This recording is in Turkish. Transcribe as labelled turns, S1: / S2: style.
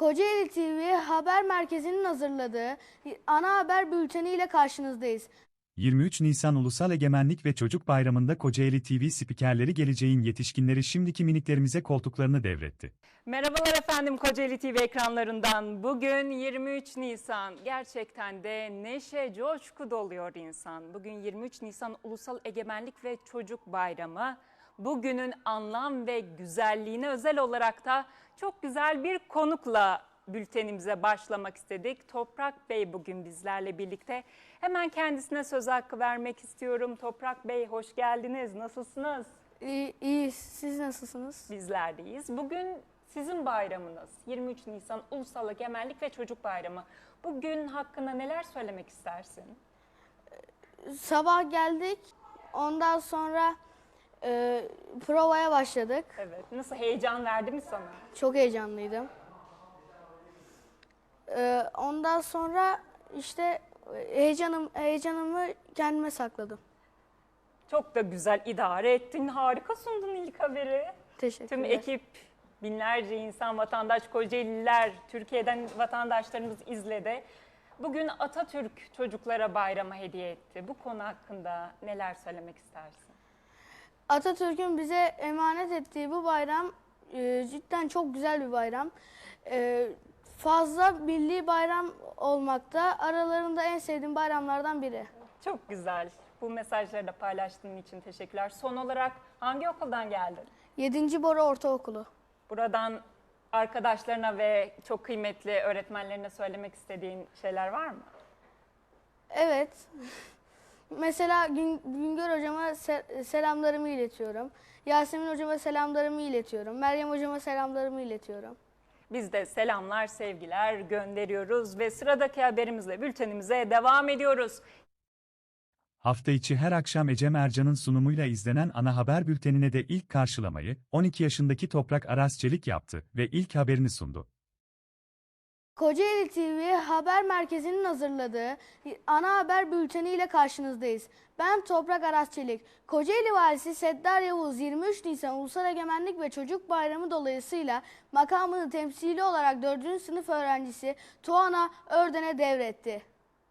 S1: Kocaeli TV Haber Merkezi'nin hazırladığı ana haber bülteni ile karşınızdayız.
S2: 23 Nisan Ulusal Egemenlik ve Çocuk Bayramı'nda Kocaeli TV spikerleri geleceğin yetişkinleri şimdiki miniklerimize koltuklarını devretti.
S3: Merhabalar efendim Kocaeli TV ekranlarından. Bugün 23 Nisan. Gerçekten de neşe, coşku doluyor insan. Bugün 23 Nisan Ulusal Egemenlik ve Çocuk Bayramı. Bugünün anlam ve güzelliğine özel olarak da çok güzel bir konukla bültenimize başlamak istedik. Toprak Bey bugün bizlerle birlikte. Hemen kendisine söz hakkı vermek istiyorum. Toprak Bey hoş geldiniz. Nasılsınız?
S1: İyi, siz nasılsınız?
S3: Bizler de iyiyiz. Bugün sizin bayramınız. 23 Nisan Ulusal Egemenlik ve Çocuk Bayramı. Bugün hakkında neler söylemek istersin?
S1: Sabah geldik, ondan sonra provaya başladık.
S3: Evet. Nasıl, heyecan verdi mi sana?
S1: Çok heyecanlıydım. Ondan sonra işte heyecanımı kendime sakladım.
S3: Çok da güzel idare ettin. Harika sundun ilk haberi.
S1: Teşekkürler.
S3: Tüm ekip, binlerce insan, vatandaş, Kocaeliler, Türkiye'den vatandaşlarımız izledi. Bugün Atatürk çocuklara bayrama hediye etti. Bu konu hakkında neler söylemek istersin?
S1: Atatürk'ün bize emanet ettiği bu bayram cidden çok güzel bir bayram. Fazla milli bayram olmakta. Aralarında en sevdiğim bayramlardan biri.
S3: Çok güzel. Bu mesajları da paylaştığın için teşekkürler. Son olarak hangi okuldan geldin?
S1: 7. Bora Ortaokulu.
S3: Buradan arkadaşlarına ve çok kıymetli öğretmenlerine söylemek istediğin şeyler var mı?
S1: Evet. Mesela Güngör hocama selamlarımı iletiyorum. Yasemin hocama selamlarımı iletiyorum. Meryem hocama selamlarımı iletiyorum.
S3: Biz de selamlar, sevgiler gönderiyoruz ve sıradaki haberimizle bültenimize devam ediyoruz.
S2: Hafta içi her akşam Ecem Ercan'ın sunumuyla izlenen ana haber bültenine de ilk karşılamayı 12 yaşındaki Toprak Aras Çelik yaptı ve ilk haberini sundu.
S1: Kocaeli TV Haber Merkezi'nin hazırladığı ana haber bülteni ile karşınızdayız. Ben Toprak Aras Çelik. Kocaeli Valisi Seddar Yavuz 23 Nisan Ulusal Egemenlik ve Çocuk Bayramı dolayısıyla makamını temsili olarak 4. sınıf öğrencisi Tuana Örden'e devretti.